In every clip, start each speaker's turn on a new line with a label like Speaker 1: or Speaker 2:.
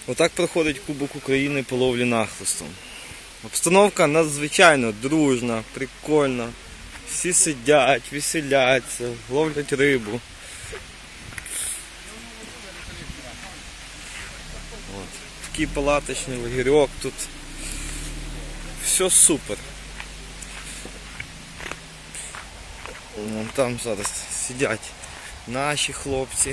Speaker 1: Отак проходить Кубок України по ловлі нахлистом. Обстановка надзвичайно дружна, прикольна. Всі сидять, веселяться, ловлять рибу. От. Такий палаточний лагерьок тут. Все супер. Вон там зараз сидять наші хлопці.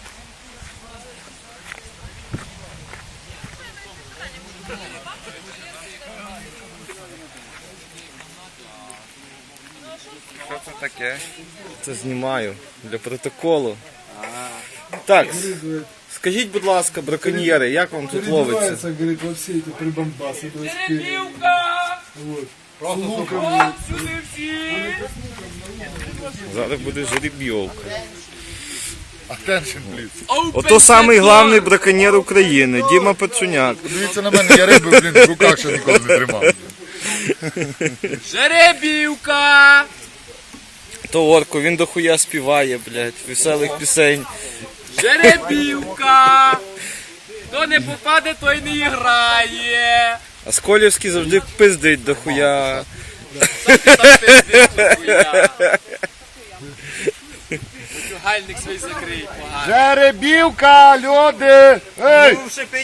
Speaker 2: Що це таке?
Speaker 1: Це знімаю для протоколу. Так, скажіть, будь ласка, браконьєри, як вам тут ловиться?
Speaker 3: Переодевается, говорит, во все эти прибамбасы. То есть, вот.
Speaker 2: Просто
Speaker 3: Луком.
Speaker 1: Зараз буде жеребйовка.
Speaker 2: Attention, please.
Speaker 1: Ото самий главний браконьєр України, Діма Пацюняк.
Speaker 2: Дивіться на мене, я риби, в руках ще ніколи не тримав.
Speaker 4: Жеребівка!
Speaker 1: То Орко, він дохуя співає, блядь, веселих пісень.
Speaker 4: Жеребівка! Хто не попаде, той не грає.
Speaker 1: А Сколівський завжди пиздить дохуя.
Speaker 4: Що ти там пиздиш, хуя? Гальник свій закрий, погано.
Speaker 2: Жеребівка, люди! Ей!